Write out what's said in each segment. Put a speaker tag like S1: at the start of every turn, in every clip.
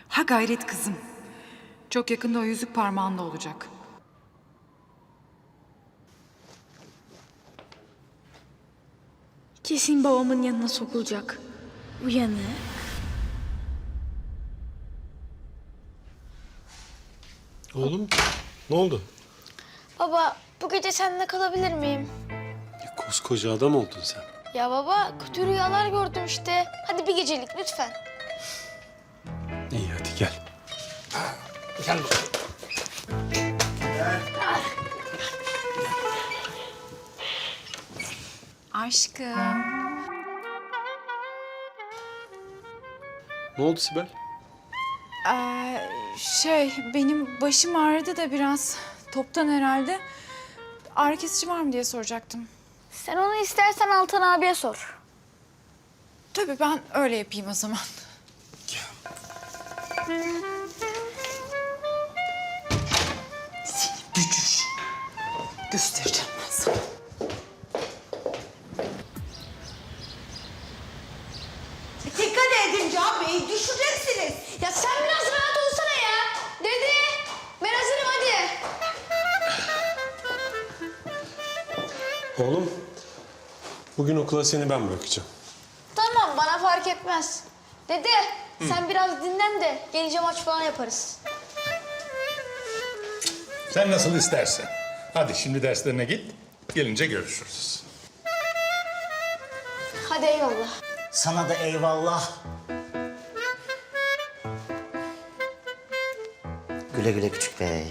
S1: Ha gayret kızım. Çok yakında o yüzük parmağında olacak.
S2: Kesin babamın yanına sokulacak. Uyanık.
S3: Oğlum ne oldu?
S2: Baba bu gece seninle kalabilir miyim?
S3: Koskoca adam oldun sen.
S2: Ya baba kötü rüyalar gördüm işte. Hadi bir gecelik lütfen.
S3: İyi hadi gel.
S4: Gel bakalım.
S1: Aşkım.
S3: Ne oldu Sibel?
S1: Benim başım ağrıdı da biraz. Toptan herhalde. Ağrı kesici var mı diye soracaktım.
S2: Sen onu istersen Altan abiye sor.
S1: Tabii ben öyle yapayım o zaman. Seni bücür. Göstereceğim ben sana.
S5: Dikkat edin Can Bey, düşeceksiniz.
S2: Ya sen biraz rahat olsana ya. Dede ben hazırım hadi.
S3: Oğlum bugün okula seni ben bırakacağım.
S2: Tamam bana fark etmez. Dede sen biraz dinlen de gelince maç falan yaparız.
S4: Sen nasıl istersen. Hadi şimdi derslerine git. Gelince görüşürüz.
S2: Hadi eyvallah.
S6: Sana da eyvallah. Güle güle küçük bey.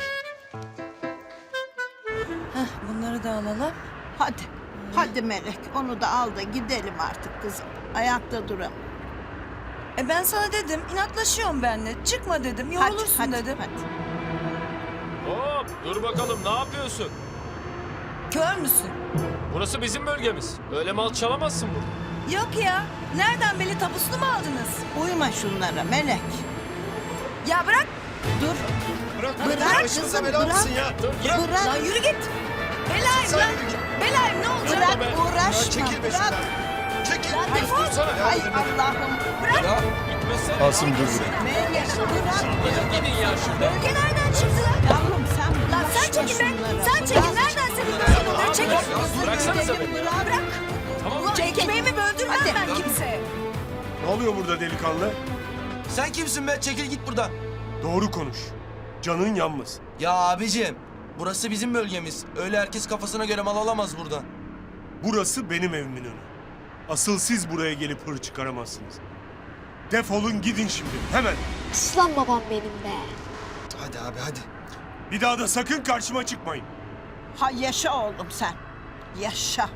S7: Bunları da alalım.
S5: Hadi, hadi Melek. Onu da al da gidelim artık kızım. Ayakta duram.
S7: Ben sana dedim, inatlaşıyorum benimle. Çıkma dedim, yorulursun dedim.
S5: Hadi.
S8: Hop dur bakalım ne yapıyorsun?
S7: Kör müsün?
S8: Burası bizim bölgemiz. Öyle mal çalamazsın burada.
S7: Yok ya. Nereden beni tapusunu mu aldınız?
S5: Uyma şunlara Melek.
S7: Ya bırak.
S5: Dur.
S4: Bırak
S5: kızım, bırak.
S4: ya.
S5: Bırak,
S7: Lan yürü git. Belayım lan. Belayım ne olacak?
S5: bırak, uğraşma. Bırak.
S4: Çekil.
S7: Lan defol.
S5: Ay Allah'ım.
S7: Bırak.
S8: Gitmesene.
S3: Asım dur.
S5: Melek, bırak.
S8: Gidin ya şuradan.
S7: Bölge nereden çıktı lan?
S5: Yavrum sen
S7: Lan sen
S5: bulaşma
S7: çekil be.
S5: şunlara.
S7: Sen çekil. Nereden senin böyle oluyor? Çekil.
S8: Bıraksanıza beni.
S7: Bırak.
S8: Tamam.
S7: Ulan ekmeğimi böldürmem ben kimseye.
S9: Ne oluyor burada delikanlı?
S10: Sen kimsin be? Çekil git buradan.
S9: Doğru konuş. Canın yanmasın.
S10: Ya abicim, burası bizim bölgemiz. Öyle herkes kafasına göre mal alamaz buradan.
S9: Burası benim evimin önü. Asıl siz buraya gelip hır çıkaramazsınız. Defolun gidin şimdi hemen.
S2: Aslan babam benim be.
S10: Hadi abi hadi.
S9: Bir daha da sakın karşıma çıkmayın.
S5: Ha yaşa oğlum sen. Yaşa.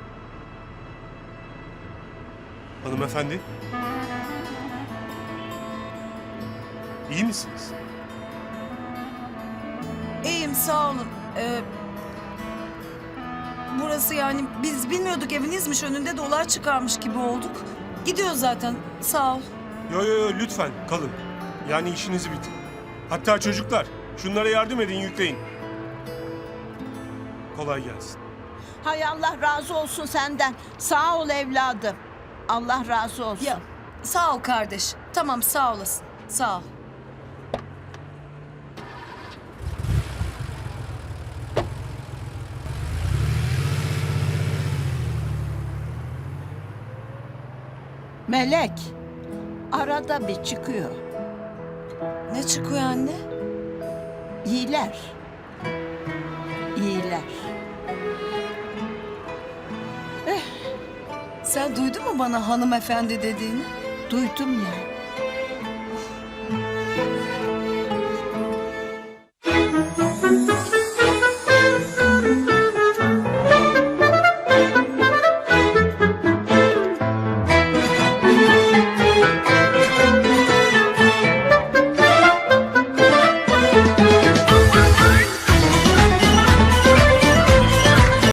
S9: Hanımefendi. İyi misiniz?
S7: İyiyim sağ olun. Burası yani biz bilmiyorduk evinizmiş önünde dolar çıkarmış gibi olduk. Gidiyor zaten sağ ol.
S9: Yo lütfen kalın. Yani işinizi bitin. Hatta çocuklar şunlara yardım edin yükleyin. Kolay gelsin.
S5: Hay Allah razı olsun senden. Sağ ol evladım. Allah razı olsun.
S7: Ya sağ ol kardeş. Tamam sağ olasın. Sağ ol.
S5: Melek, arada bir çıkıyor.
S7: Ne çıkıyor anne?
S5: İyiler. İyiler.
S7: Sen duydun mu bana hanımefendi dediğini?
S5: Duydum ya.